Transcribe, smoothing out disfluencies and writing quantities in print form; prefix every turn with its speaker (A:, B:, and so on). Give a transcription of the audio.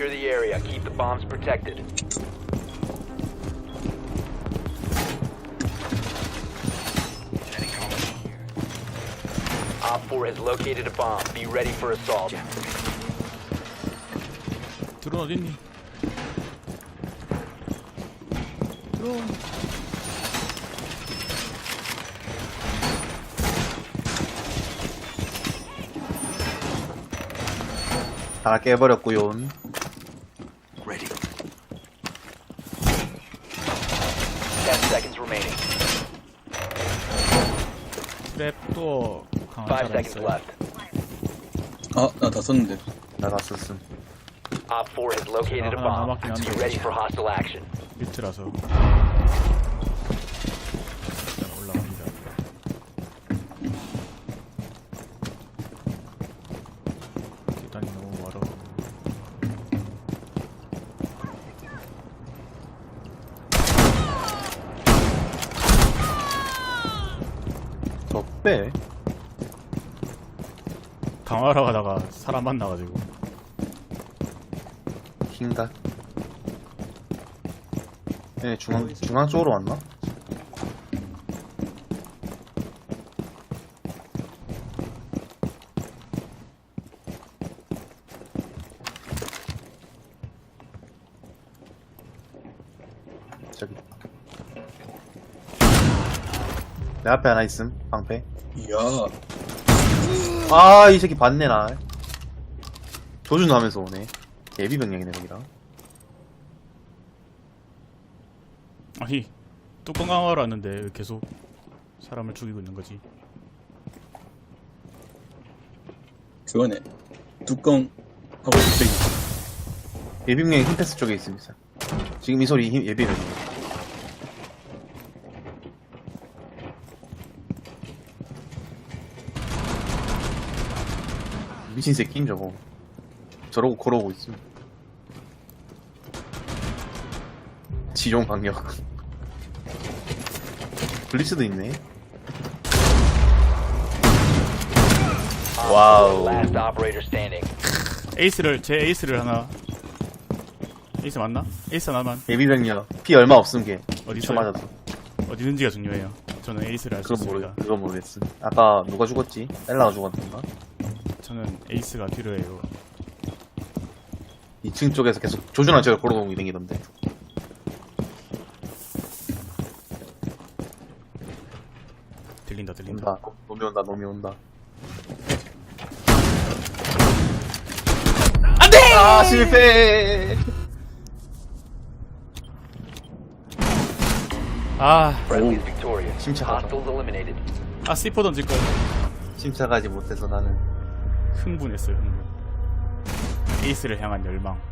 A: Secure the area. Keep the bombs protected. Op 4 has located a bomb. Be ready for assault.
B: 드론 어딨니? 드론.
C: 다 깨버렸구요.
A: Ready. 10 seconds remaining.
B: 트랩도 강한
A: 5
B: 사람
A: seconds
B: 있어요.
A: left.
D: 아, 나 다 썼는데.
C: 나가 썼음.
A: Op 4 has located a bomb.
B: 남았긴 한데.
A: Be ready for hostile action.
B: 밑이라서 일단 올라갑니다. 계단이 너무 멀어.
C: 더 빼.
B: 강화하러 가다가 사람 만나가지고
C: 흰가? 네, 중앙 쪽으로 왔나? 저기. 내 앞에 하나 있음, 방패.
D: 이야.
C: 아, 이 새끼 봤네, 나. 조준하면서 오네. 예비병력이네, 거기다.
B: 아니 뚜껑 강화하러 왔는데 왜 계속 사람을 죽이고 있는 거지?
D: 그거네. 뚜껑 하고 뚝배기.
C: 예비병력이 흰패스 쪽에 있습니다. 지금 이 소리 예비병력. 미친 새끼임 저거. 저러고 걸어오고 있음. 지용 방역. 블리츠도 있네. 와우.
A: Last operator standing.
B: 제 에이스를 하나. 에이스 맞나? 에이스 하나만.
C: 예비병력 피 얼마 없음 게.
B: 어디
C: 쳐
B: 있어요?
C: 맞았어.
B: 어디 있는지가 중요해요. 저는 에이스를 할 수 있습니다.
C: 그건 모르겠음. 아까 누가 죽었지? 엘라가 죽었던가?
B: 저는 에이스가 필요해요.
C: 2층 쪽에서 계속 조준한 척을 걸어놓고 다니던데.
B: 들린다.
C: 온다. 놈이 온다.
B: 안돼!
C: 아, 실패!
A: Friendly is victorious.
C: 침착하다.
A: Hostiles eliminated.
B: C4 던질 걸.
C: 침착하지 못해서 나는.
B: 흥분했어요. 흥분. 에이스를 향한 열망.